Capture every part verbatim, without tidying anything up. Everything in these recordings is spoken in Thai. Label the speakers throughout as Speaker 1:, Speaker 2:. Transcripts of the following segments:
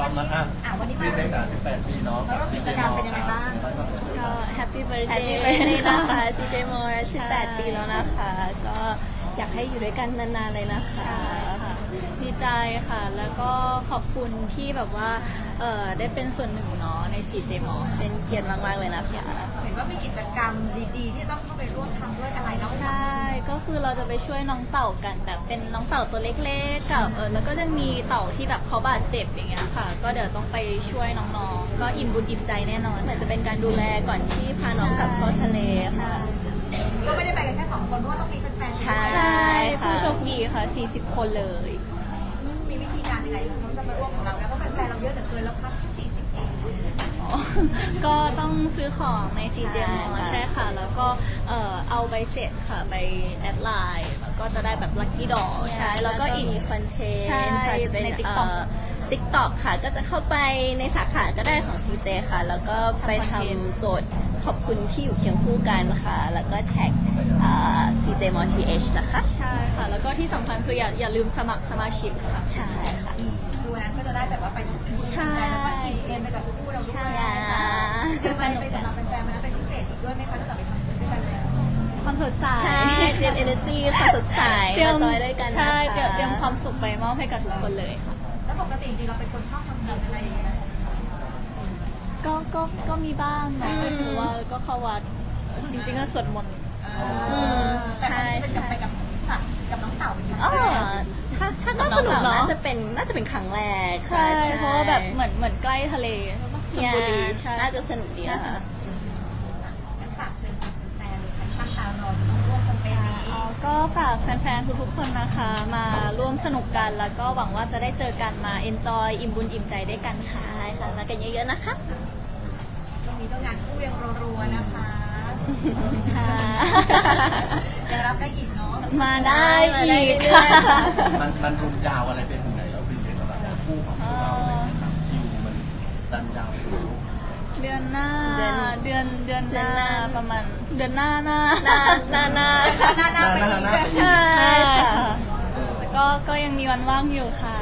Speaker 1: ร้อมนะครับวันนี้เป็นเด็กอ่ะสิบแปดปีเนาะกับกิจกรรมเป็นยังไงบ้าง
Speaker 2: ก็แฮปปี้เบิร์ดเดย์
Speaker 3: Happy Birthday นะคะ ซี เจ โมสิบแปดปีแล้วนะคะ ก็อยากให้อยู่ด้วยกันนานๆเลยนะคะ
Speaker 2: ดีใจค่ะ แล้วก็ขอบคุณที่แบบว่าเออได้เป็นส่วนหนึ่งเนาะใน ซี เจ โม
Speaker 3: เป็นเกียรติมากๆเลยนะคะ
Speaker 1: เห็นว่ามีกิจกรรมดีๆที่ต้องเข้าไปร่วมทำด้วยอะไรเนาะ
Speaker 2: ใช่ ก็คือเราจะไปช่วยน้องเต่ากันแบบเป็นน้องเต่าตัวเล็กๆกับเออแล้วก็จะมีเต่าที่แบบเขาบาดเจ็บอย่างเงี้ยค่ะ ก็เดี๋ยวต้องไปช่วยน้องๆ ก็อิ่มบุญอิ่มใจแน่นอน
Speaker 3: เหมือนจะเป็นการดูแลก่อนที่พาน้องกลับเข้าทะเลค่ะ
Speaker 1: ก็ไม่ได้ไปกันแค่สองคนเพราะว่าต้องมีแฟนๆ
Speaker 3: ใช่
Speaker 2: ใช่
Speaker 3: ค่ะ
Speaker 2: ผู้โชคดีค่ะ สี่สิบ คนเลย
Speaker 1: มีวิธีการยังไงเขาจะมาร่วมของเราแล้วก็แฟนๆเราเยอะเหลือเกินแล้วครับสี่สิบเอง
Speaker 2: ก็ต้องซื้อของใน ซี เจ โม
Speaker 3: ใช่ค่ะ
Speaker 2: ใช่ค่ะ แล้วก็เอ่อเอาใบเสร็จค่ะไปแอดไลน์แล้วก็จะได้แบบลัคกี้ดอใช่แล้วก็อีก
Speaker 3: มีคอนเทน
Speaker 2: ใช่
Speaker 3: ต์ค่ะจะเป็น
Speaker 2: ใน
Speaker 3: เอ่
Speaker 2: TikTok
Speaker 3: อ TikTok ค่ะ ก็จะเข้าไปในสาขาก็ได้ของ ซี เจ ค่ะ แล้วก็ไปทำโจทย์ขอบคุณที่อยู่เคียงคู่กันค่ะ แล้วก็แท็กเอ่อ ซี เจ โม ที เอช นะคะ
Speaker 2: ใช่ค่ะ แล้วก็ที่สำคัญคืออย่าอย่าลืมสมัครสมาชิกค่ะ
Speaker 3: ใช่ค่ะ
Speaker 1: ดูนั้นก็จะได้แบบว่าไปทุกที่
Speaker 2: ใช่
Speaker 1: แล้วก็อิ่มเอมไปกับคู่เราด้วย
Speaker 3: ใช่
Speaker 1: เดี๋ยวไปไปสำหรับแฟนๆมันเป็นพิเศษอีกด้วยไหมคะถ้าเกิดไปทำด้วยกันแล้ว
Speaker 2: ความสดใส
Speaker 3: ใช่ เตรียม energy ความสดใส
Speaker 2: เตรีย
Speaker 3: มาม จอยด้วยกันนะคะ
Speaker 2: ใช่เตรียมเตรียมความสุขไปมอบให้กับทุกคนเลยค่ะ
Speaker 1: แล้วปกติจริงๆเราเป็นคนชอบทำบุญอะไรอย่างเงี้ย
Speaker 2: ก็ก็ก็มีบ้างเนาะหรือว่าก็เข้าวัดจริงๆก็สวดมนต์
Speaker 3: อืม
Speaker 1: ใช่
Speaker 3: ใช่
Speaker 1: ใช่
Speaker 3: ใช่
Speaker 1: ไปกับสัตว์กับน้องเต่าเป็น
Speaker 3: อ๋อถ้าถ้า
Speaker 2: ก็
Speaker 3: ก็
Speaker 2: ส
Speaker 3: ส
Speaker 2: นุ
Speaker 3: นุ
Speaker 2: ก
Speaker 3: ก
Speaker 2: เนอะ
Speaker 3: น่าจะเป็นน่าจะเป็นครั้งแรก
Speaker 2: ใช่ เพราะว่าแบบเหมือนเหมือนใกล้ทะเลชลบุรีใช่
Speaker 3: น่าจะสนุกดีนะคะ
Speaker 1: ฝากเชิญแฟนๆตั้งตารอต้องร่วมแคมเปญนี้
Speaker 2: ก็ฝากแฟนๆ ทุกๆ คนนะคะ มาร่วมสนุกกัน แล้วก็หวังว่าจะได้เจอกันมา enjoy อิ่มบุญอิ่มใจด้วยกันค่ะ
Speaker 3: ใช่ค่ะมากันเยอะๆนะคะ
Speaker 1: ตรงนี้ก็งานคู่ยังรัวๆนะคะ
Speaker 2: ค่ะ
Speaker 1: ยังรับได้อีกเนาะ
Speaker 2: มาได้
Speaker 3: มาได้
Speaker 2: อีก
Speaker 3: เรื่อยๆค่ะ
Speaker 4: มันมันรุนยาวอะไรเป็นถึงไหนแล้วเป็นในสำหรับคู่ของพวกเราอะไรอย่างเงี้ยครับคิวมันดันยาวอยู่
Speaker 2: เดือนหน้า
Speaker 3: เดือน
Speaker 2: เดือนเดือนหน้า
Speaker 3: เดือนหน้า
Speaker 2: ประมาณเดือนหน้าหน้า
Speaker 3: หนาหนาหนา
Speaker 1: หน้าหน้าไปอีกแบบ
Speaker 3: ใช่
Speaker 2: ใช่
Speaker 3: ค่ะ
Speaker 2: ค่ะแต่ก็ก็ยังมีวันว่างอยู่ค่ะ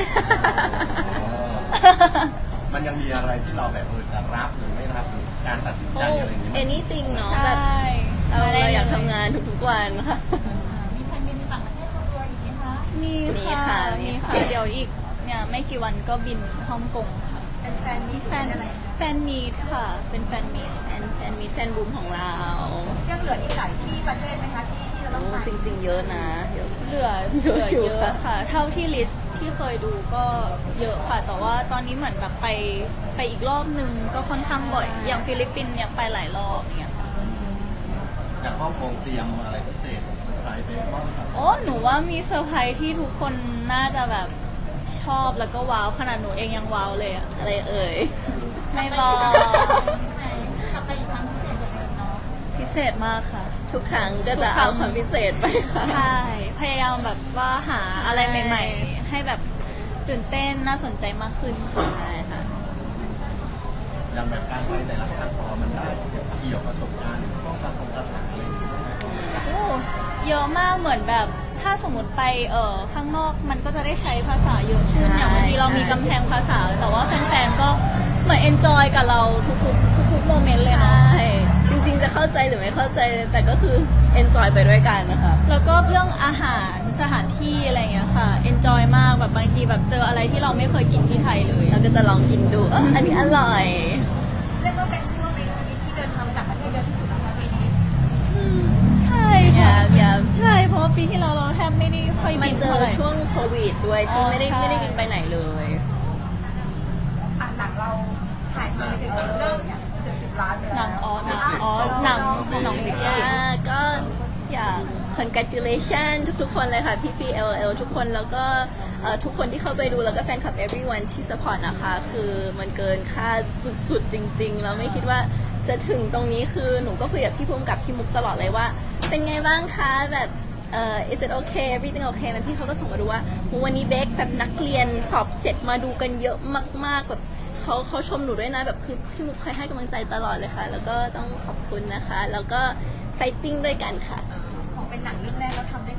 Speaker 4: มันยังมีอะไรที่เราแบบเออจะรับหรือไม่รับหรือการตัดสินใจอะไรอย่างเงี้ย
Speaker 3: anything เนาะ
Speaker 2: ใช่
Speaker 3: แบบเรา
Speaker 2: มได้
Speaker 3: เราอยาก
Speaker 2: ล
Speaker 3: ทำงานทุกๆวันค่ะ
Speaker 1: มีแผนบินต่างประเทศรัวๆอย่างนี้คะ
Speaker 2: มี
Speaker 3: มี
Speaker 2: ค่ะ
Speaker 3: ค่ะมี
Speaker 2: มี
Speaker 3: ค่ะ
Speaker 2: ค่ะ เดี๋ยวอีกเนี่ยไม่กี่วันก็บินฮ่องกงค่ะ
Speaker 1: เป็นแฟนมี
Speaker 2: แฟน
Speaker 1: อะไร
Speaker 2: แฟนมีดค่ะ เป็นแฟนมีด
Speaker 3: แฟนแฟนมีแฟนบูมของเรา
Speaker 1: ยังเหลืออีกหลายที่ประเทศไหมคะที่ที่เราต้อง
Speaker 3: โอ้
Speaker 1: ไป
Speaker 3: จริง ๆ เยอะนะเยอะ
Speaker 2: เหลือ
Speaker 3: เย
Speaker 2: เหลื
Speaker 3: อะ
Speaker 2: อ
Speaker 3: อยู่
Speaker 2: เย
Speaker 3: ค่ะ
Speaker 2: อะค่ะ เท่าที่ลิสต์ที่เคยดูก็เยอะค่ะ แต่ว่าตอนนี้เหมือนแบบไปไปอีกรอบนึงก็ค่อนข้างบ่อย อย่างฟิลิปปินส์เนี่ยไปหลายรอบเนี่ยค่ะ
Speaker 4: อย่างครอบครัวเตรียมอะไรพิเศษอะไรไปบ้างครับ
Speaker 2: โอ้หนูว่ามีเซอร์ไพรส์ที่ทุกคนน่าจะแบบชอบแล้วก็ว้าวขนาดหนูเองยังว้าวเลยอะ
Speaker 3: อะไรเอ่ย
Speaker 2: ไม่บอก
Speaker 1: กลับไปอีกครั้งพิเศษจะเป็นเนาะ
Speaker 2: พิเศษมากค่ะ
Speaker 3: ทุกครั้งก็
Speaker 2: ทุ
Speaker 3: จะ
Speaker 2: กครั้
Speaker 3: เอา
Speaker 2: ง
Speaker 3: ความพิเศษไปค่ะ
Speaker 2: ใช่ พยายามแบบว่าหาอะไรใหม่ ๆ ให้แบบตื่นเต้นน่าสนใจมากขึ้นค่ะ
Speaker 3: ใช่ค่ะ
Speaker 4: อย่างแบบการไปแต่ละครั้งของเรามันได้เกี่ยวประสบการณ์ต้องการทรงการสั่งอะไรอย่างเงี้ย
Speaker 2: โอ้เยอะมากเหมือนแบบถ้าสมมติไปเออข้างนอกมันก็จะได้ใช้ภาษาเยอะขึ้น
Speaker 3: ใช่
Speaker 2: อย่างบางทีเรามีกำแพงภาษา แต่ว่าแฟนๆก็เหมือนเอนจอยกับเราทุกๆทุกๆโมเมนต์เลย
Speaker 3: ใช่
Speaker 2: เนาะ
Speaker 3: จริงๆจะเข้าใจหรือไม่เข้าใจแต่ก็คือ enjoy ไปด้วยกันนะคะ
Speaker 2: แล้วก็เรื่องอาหารสถานที่อะไรอย่างเงี้ยค่ะเอนจอยมากแบบบางทีแบบเจออะไรที่เราไม่เคยกินที่ไทยเลย
Speaker 3: เราก็จะลองกินดูเอออันนี้อร่อย
Speaker 1: เรียกว่าเป็นช่วงในชีวิตที่เดินทางต่างประเทศเยอะที่สุดนะคะปีนี้
Speaker 2: ใช่
Speaker 3: อ
Speaker 2: ค่ะ
Speaker 3: ย่าอย่า
Speaker 2: ใช่เพราะว่าปีที่เราเราแทบไม่ได้ค่อย
Speaker 3: มั
Speaker 2: บิ
Speaker 3: น
Speaker 2: น
Speaker 3: เจ
Speaker 2: เท่า
Speaker 3: อ
Speaker 2: ไหร่
Speaker 3: ช่วงโควิดด้วยที่
Speaker 2: อ๋อ
Speaker 3: ไม่ได้
Speaker 2: ใช่
Speaker 3: ไม่ได้บินไปไหนเลย
Speaker 1: อ่ะหนังเราถ่ายทำไปถึงเริ่มเนี่ยเจ็ดสิบล้านไป
Speaker 2: หนั
Speaker 1: แล้
Speaker 2: ง
Speaker 1: ว
Speaker 2: อ๋อหนังอ๋อหนังหนังบิ๊ก
Speaker 3: อ่าก็อยาก congratulation ทุกๆคนเลยค่ะ พี่พี่ แอล แอล ทุกคนแล้วก็เอ่อทุกคนที่เข้าไปดูแล้วก็แฟนคลับ everyone ที่ support นะคะ คือมันเกินคาดสุดๆ จริงๆ แล้วไม่คิดว่าจะถึงตรงนี้คือหนูก็คุยกับพี่ภูมิกับพี่มุกตลอดเลยว่า เป็นไงบ้างคะแบบเอ่อ is it okay everything okay มันพี่เขาก็ส่งมาดูว่าวันนี้เบคแบบนักเรียนสอบเสร็จมาดูกันเยอะมากๆแบบเขาเขาชมหนูด้วยนะแบบคือพี่มุกคอยให้กำลังใจตลอดเลยค่ะ แล้วก็ต้องขอบคุณนะคะ แล้วก็ fighting ด้วยกันค่ะ
Speaker 1: ของเป็นหนังเรื่องแรกเราทำได้ขนาดนี้
Speaker 3: ใ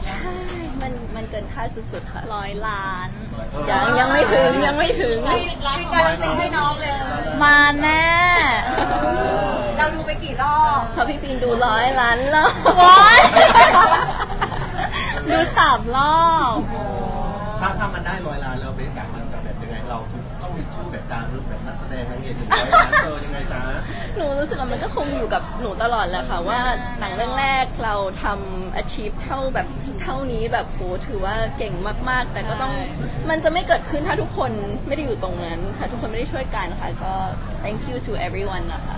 Speaker 3: ใช่ มันมันเกินคาดสุดๆค่ะ
Speaker 2: ร้อยล้าน
Speaker 3: ยังยังไม่ถึงยังไม่ถึง
Speaker 1: มีการันตีให้น้องเลย
Speaker 2: มาแน่
Speaker 1: เราดูไปกี่รอบ
Speaker 3: เพราะพี่ฟินดูร้อยล้านแล้ว
Speaker 2: ว้ายดูสามรอบ
Speaker 4: ถ้าถ้ามันได้ร้อยล้านแล้วเบสอยากมันจะแบบยังไงเราต้องมีชื่อแบบการรูปแบบนักแสดงนางเอกหนึ่งร้อยล้านเจอยังไงจ๊ะ
Speaker 3: หนูรู้สึกว่ามันก็คงอยู่กับหนูตลอดแหละค่ะว่าหนังเรื่องแรกเราทำ achieve เท่าแบบเท่านี้แบบโหถือว่าเก่งมากๆ แต่ก็ต้องมันจะไม่เกิดขึ้นถ้าทุกคนไม่ได้อยู่ตรงนั้นถ้าทุกคนไม่ได้ช่วยกันค่ะก็ thank you to everyone นะคะ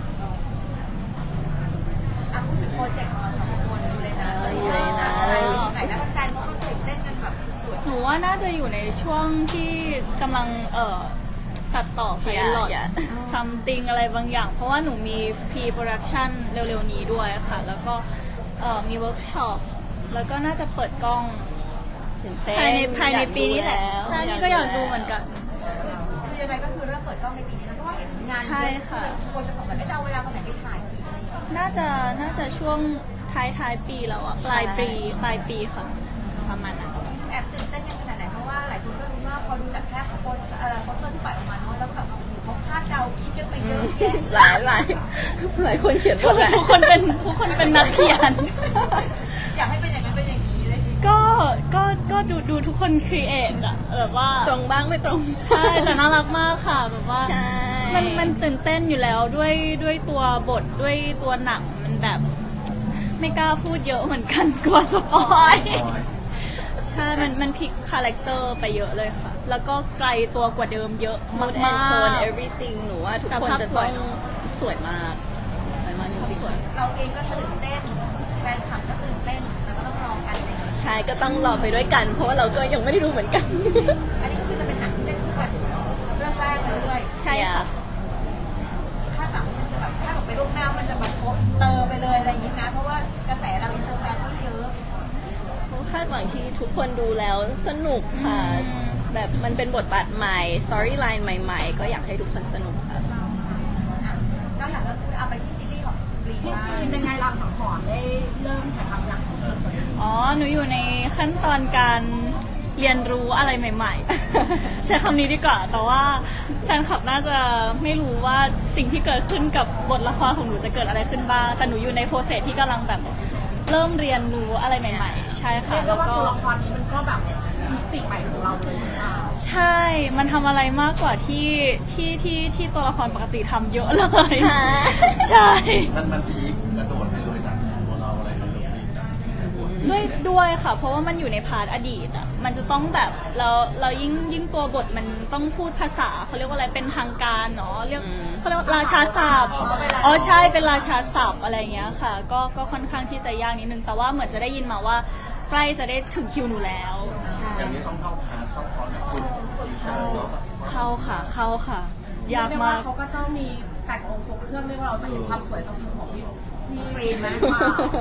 Speaker 1: อ่ะพูดถึงโปรเจกต์ของเราสองคนอยู่เลยนะ
Speaker 3: เอออยู่เลยนะ
Speaker 1: ไหนแล้วแฟนๆก็ตื่นเต้นกันแบบสุด
Speaker 2: หนูว่าน่าจะอยู่ในช่วงที่กำลังเอ่อตัดต่อไพลอต
Speaker 3: Yeah, yeah.
Speaker 2: something อะไรบางอย่าง เพราะว่าหนูมี pre-production เร็วๆนี้ด้วยค่ะ แล้วก็เอ่อมีเวิร์กช็อปแล้วก็น่าจะเปิดกล้อง
Speaker 3: ตื่นเต้น
Speaker 2: ภายในภายใน
Speaker 3: อยก
Speaker 2: ปีนี้แหละ
Speaker 3: ดูว
Speaker 2: ใช่นี่ก็อยากดูเหมือนกัน
Speaker 1: คือยังไงก็คือเริ่มเปิดกล้องในปีนี้นะเพราะว่าเห็นงานเย
Speaker 2: ใช่
Speaker 1: อะ
Speaker 2: ค่ะ
Speaker 1: คนจะสงสัยว่าจะเอาเวลาตอนไหนไปถ่ายอีกอะไรอย่างเงี้ย
Speaker 2: น่าจะน่าจะช่วงท้ายท้ายๆปีแล้วอะปลายปีปลายปีค่ะ ประมาณนั้น
Speaker 1: แอบตื่นเต้นกันขนาดไหนเพราะว่าหลายคนก็รู้ว่าพอดูจากแค่โปสเอ่อโปสเตอร์ที่ปล่อยออกมาเนาะแล้วแบบเขาคาดเดาคิดกันไปเยอะแยะ
Speaker 3: หลายหลายหลายคนเขียน
Speaker 2: ทุ
Speaker 3: ว่าก แหละ
Speaker 2: ทุกคนเป็นทุกคนเป็นนักเขียน
Speaker 1: อยากให้เป็นอย่างนั้นเป็นอย่างนี้เลย
Speaker 2: ก็ก็ก็ดูดูทุกคนครีเอทอะแบบว่า
Speaker 3: ตรงบ้างไม่ตรง
Speaker 2: ใช่แต่น่ารักมากค่ะแบบว่า
Speaker 3: ใช่
Speaker 2: มันมันตื่นเต้นอยู่แล้วด้วยด้วยตัวบทด้วยตัวหนังมันแบบ ไม่กล้าพูดเยอะเหมือนกันกลัวสปอยใช่มันมันพลิกคาแรคเตอร์ไปเยอะเลยค่ะ แล้วก็ไกลตัวกว่าเดิมเยอะ
Speaker 3: มู
Speaker 2: มา
Speaker 3: ดแอนโทน
Speaker 2: ก
Speaker 3: everything หนูว่าทุก
Speaker 2: แต่
Speaker 3: คน
Speaker 2: ภาพ
Speaker 3: จะ
Speaker 2: ส
Speaker 3: ต้
Speaker 2: ว
Speaker 3: อย ง
Speaker 2: เนอะ
Speaker 3: สวยมากสวยมากจริงๆ
Speaker 1: เราเองก็ตื่นเต้นแฟนคลับก็ตื่นเต้นแล้วก็ต้องรอกันเลย
Speaker 3: ใช่ก็ต้องรอไปด้วยกัน เพราะว่าเราก็ยังไม่ได้รู้เหมือนกัน
Speaker 1: อันนี้ก็คือจะเป็นหนังที่เล่นคู่กันเรื่องแรกเลยด้วย
Speaker 2: ใช่ค่ะ
Speaker 1: คาดหวังมันจะแบบคาดหวังไปล่วงหน้ามันจะแบบโกอินเตอร์ไปเลยอะไรอย่างนี้นะเพราะว่ากระแสเราอินเตอร์แฟนก็เยอะ
Speaker 3: คาดหวังที่ทุกคนดูแล้วสนุกค่ะ แบบมันเป็นบทบาทใหม่ สตอรี่ไลน์ใหม่ๆ ก็อยากให้ทุกคนสนุกค่ะ
Speaker 1: นอกจากก็คือเอาไปที่ซีรีส์ของกรีนบ้าง
Speaker 5: เป็นไงรางสังหรณ์ได้เริ่มถ่ายทำยัง
Speaker 2: อ๋อ หนูอยู่ในขั้นตอนการเรียนรู้อะไรใหม่ ๆ ใช้คำนี้ดีกว่า แต่ว่าแฟนคลับน่าจะไม่รู้ว่าสิ่งที่เกิดขึ้นกับบทละครของหนูจะเกิดอะไรขึ้นบ้าง แต่หนูอยู่ในโปรเซสที่กำลังแบบเริ่มเรียนรู้อะไรใหม่ ๆ ใช่ค่ะ
Speaker 5: เรียกได้
Speaker 2: แล้ว
Speaker 5: ว่า
Speaker 2: ก็
Speaker 5: ตัวละครนี้มันก็แบบมิติใหม่ของเราเลยค่ะ
Speaker 2: ใช่ มันทำอะไรมากกว่าที่ที่ที่ที่ตัวละครปกติทำเยอะเลย
Speaker 3: ค่ะ
Speaker 2: ใช่
Speaker 4: มันมันพีคกระโดดไปเลยจากตัวเราอะไรแบบนี้
Speaker 2: ด้วยด้วยค่ะ เพราะว่ามันอยู่ในพาร์ทอดีตอ่ะ มันจะต้องแบบเราเรายิ่งยิ่งตัวบทมันต้องพูดภาษาเขาเรียกว่าอะไรเป็นทางการเนาะเรียกเขาเรียกว่าราชาศัพท์อ๋อใช่เป็นราชาศัพท์อะไรอย่างเงี้ยค่ะ ก็ก็ค่อนข้างที่จะยากนิดนึง แต่ว่าเหมือนจะได้ยินมาว่าใกล้จะได้ถึงคิวหนูแล้วใช่
Speaker 4: อย่างนี้ต้องเข้าคลาสเข้าคอร์สแบบคุณ
Speaker 2: เข้าค่ะเข้าค่ะ ยาก
Speaker 5: เรียก
Speaker 2: มา
Speaker 5: ว่าก เขาก็ต้องมีแต่งองค์ทรงเครื่องเรียกว่าเราจะเห็นความสวยสะพรึงของพี่พี่
Speaker 1: กรีนไหม
Speaker 5: ว้าว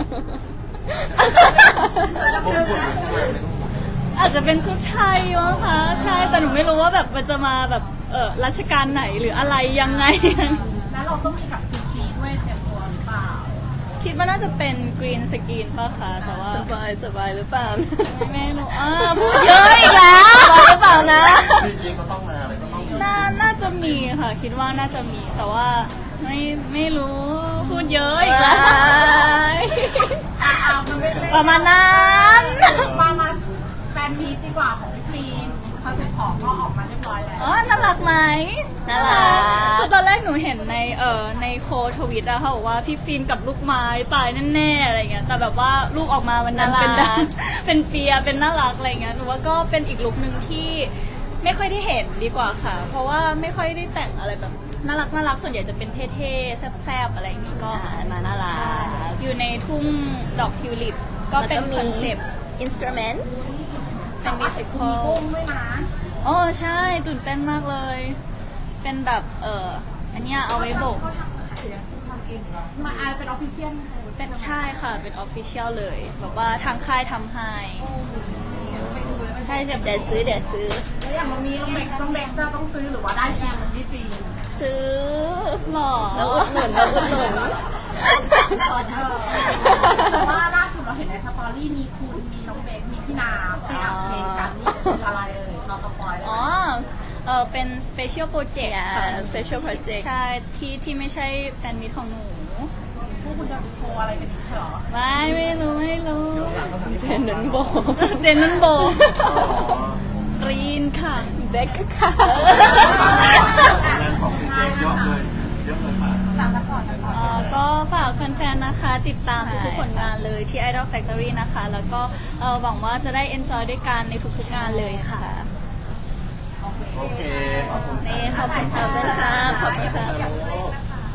Speaker 4: ผมพูดเลยใช่ไหมไม่ต้องพูด
Speaker 2: อาจจะเป็นชุดไทยมั้งคะใช่แต่หนูไม่รู้ว่าแบบมันจะมาแบบเออรัชกาลไหนหรืออะไรยังไง
Speaker 5: แล้วเราต้องมีกับซีจีด้วยเตรียมตัวหรือเปล่า
Speaker 2: คิดว่าน่าจะเป็นกรีนสกรีนป่ะคะแต่ว่า
Speaker 3: สบายสบายหรือเปล่า
Speaker 2: ไม่รู้อ่าพูดเยอะอีกแล้ว
Speaker 3: สบายหรือเปล่านะ
Speaker 4: จริงๆก็ต้องมาอะไรก็ต้องมี
Speaker 2: น่าน่าจะมีค่ะ คิดว่าน่าจะมีแต่ว่าไม่ไม่รู้พูดเยอะอีกแล้ว
Speaker 5: อ่ามันไม่ใช่
Speaker 2: ประมาณนั้น
Speaker 5: มามาแฟนมีตดีกว่าของพี่ฟีนคอนเซ็ปต์สองก็ออกมาเรียบร้อยแล้ว
Speaker 2: อ๋อน่ารักไหม
Speaker 3: น่ารัก
Speaker 2: คือตอนแรกหนูเห็นในเอ่อในโคทวิตอะเขาบอกว่าพี่ฟินกับลูกไม้ตายแน่ๆอะไรเงี้ยแต่แบบว่าลูกออกมาวันนั้นเป็น
Speaker 3: น่ารัก
Speaker 2: เป็นเปียเป็นน่ารักอะไรเงี้ยหนูว่าก็เป็นอีกลุคหนึ่งที่ไม่ค่อยได้เห็นดีกว่าค่ะ เพราะว่าไม่ค่อยได้แต่งอะไรแบบน่ารักน่ารักส่วนใหญ่จะเป็นเท่ๆแซ่บๆอะไรอย่างงี้ก็
Speaker 3: อ่ามาน่ารัก
Speaker 2: ใช่อยู่ในทุ่งดอกทิวลิปก็เป็นคอนเซปต์
Speaker 3: instrument
Speaker 2: เป็นมิวสิคอ
Speaker 5: มี
Speaker 2: ล
Speaker 5: กุ้งด้วยนะ
Speaker 2: อ๋อใช่ตื่นเต้นมากเลย เป็นแบบเอออันเนี้ยเอาไว้โบก
Speaker 1: เขาทำหรือทำเองเหรอ
Speaker 5: มาอาเป็นออฟฟิเชียล
Speaker 2: เป็นใช่ค่ะเป็นออฟฟิเชียลเลยแบบว่าทางค่ายทำให้ใช่จะ
Speaker 3: เดี๋ยวซื้อเดี๋ยวซื้อ
Speaker 5: แล้วอย่างวันนี้ต้องเบกต้องเบกจะต้องซื้อหรือว่าได้เองพี่ฟีน
Speaker 3: ซื้อ
Speaker 2: หล่อ
Speaker 3: แล้วอุดหนุนแล้วอุดหนุน
Speaker 5: แต่ว่าล่าสุดเราเห็นในสตอรี่มีคุณมีน้องเบ
Speaker 2: เออเป็น special project ค่ะ
Speaker 3: Yeah, special project
Speaker 2: ใช่ที่ที่ไม่ใช่แฟนมิตของหนู
Speaker 5: พวกคุณจะโชว์อะไรกันอีกเหรอ
Speaker 2: ไม่ไม่รู้ไม่รู้
Speaker 3: เจนนันโบ
Speaker 2: เจนนันโบกรีนค่ะ
Speaker 3: เบคค่ะ
Speaker 4: งานของพี่เจ๊เยอะเลยเยอะเลยค่ะ
Speaker 1: ฝากซัพพอร์ตซัพพอร์ต
Speaker 2: เอ่อก็ฝากแฟนๆ นะคะ ติดตามทุกๆผลงานเลยที่ Idol Factory นะคะ แล้วก็เอ่อหวังว่าจะได้ enjoy ด้วยกันในทุกๆงานเลยค่ะ
Speaker 4: โอเค ขอบคุณ
Speaker 2: นี่ขอบคุณ
Speaker 3: ขอบคุณค่ะขอบคุณค่ะ
Speaker 4: ค่ะ